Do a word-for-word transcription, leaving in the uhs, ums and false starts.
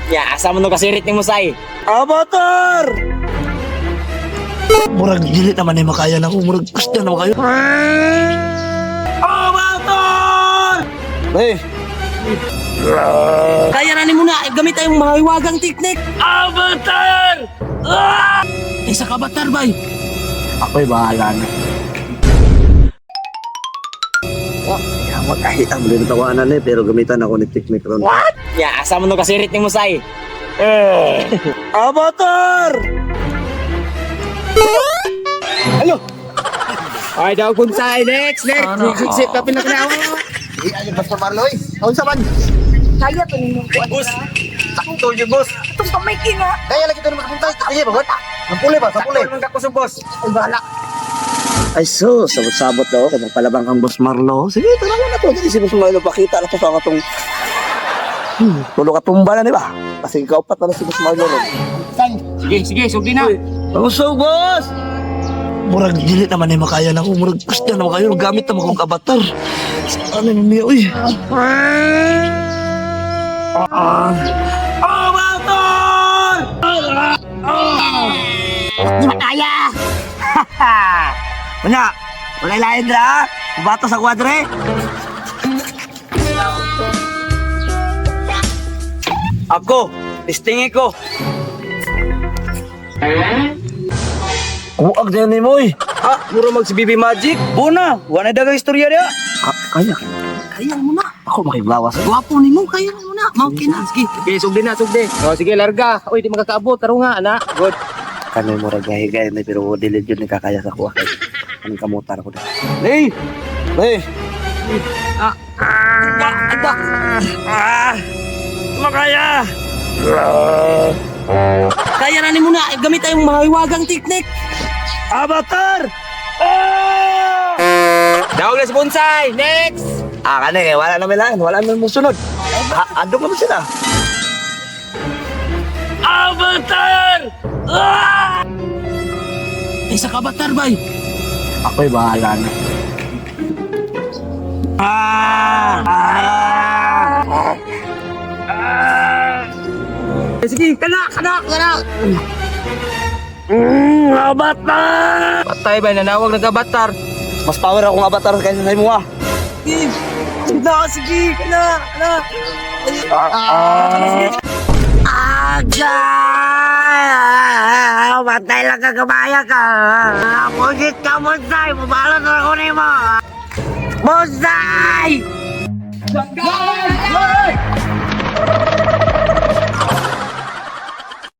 Ya, asa mo no kasirit ni Musay? Avatar! Murag dili naman ay makaya na ko. Murag gusto na makayo. Avatar! Eh, Kaya na ni mo na, gamit tayong mahiwagang teknik. Avatar! Ah! Isa ka batar, bay. Ako'y bahala na. Oh, yaman kahit ang mga tawanan eh, pero gamitan ako ni Tiknik ron. What? Ya, asa mo no kasirit ni Musay? Eh! Avatar! Alo! Ay, daw Musay, next, next. Ano? Sip, kapin na kinawa. Di ayo basta Marloy. Aun sa man. Kaya to ninyo ko. Boss. Sakto yung boss. Itong kamay kina. Kaya lagi to naman kapunta. Sige ba, bot? Ang puli ba? Sa puli. Sakto ka ko sa boss. Ay, bahala. Ay so, sabot-sabot daw kay palabang kang boss Marlo. Sige, tara na to. Dili si boss Marlo pakita na to sa katong Hmm, tulo ka tumba na, di ba? Kasi ikaw pa na si boss Marlo. Sige, sige, sugdi na. Ang so, boss! Murag dili naman ay makaya na ko. Murag gusto na makayo. Gamit naman kong avatar. Ano yung niya, uy? Avatar! Di makaya. Manya, wala lain dra. Bato sa kwadre. Ako, listingi ko. Kuag dyan ni Moy. Ha, muro mag si Bibi Magic. Buna, wala dagang istorya niya. Kaya, Kaya mo na. ako makiblawas. Gwapo ni mo. Kaya mo na. Mau kina. Sige, sige, sugdi na, sugdi. O, sige, larga. Uy, di magkakaabot. Taro nga, ana. Good. Kano'y mo ragay-gay na pero dilid yun ni kakaya sa kuha. Anong kamutar ko din. Hey! Hey! Ah! Ah! Ada! Ah! Makaya! Kaya na ni mo na, gamit tayong mahiwagang teknik. Avatar! Ah! Dawag na si Bonsai. Next! Ah, kani, eh, wala naman lang. Wala naman mong sunod. Ha, ando ka ba sila? Avatar! Ah! Isa ka batar, bay. Ako'y bahala na. Ah! Ah! Ah! Eh, sige, kana, kana, kana. Mm, avatar! Patay ba, nanawag nagkabatar. Mas power akong avatar kaysa sa imo ah. Sige, sige, sige, kana, kana. Ah! Aga! Matay lang ka kabaya ka. Pugit ka, Bonsai. Mabalot na ako ni mo. Bonsai! Bonsai!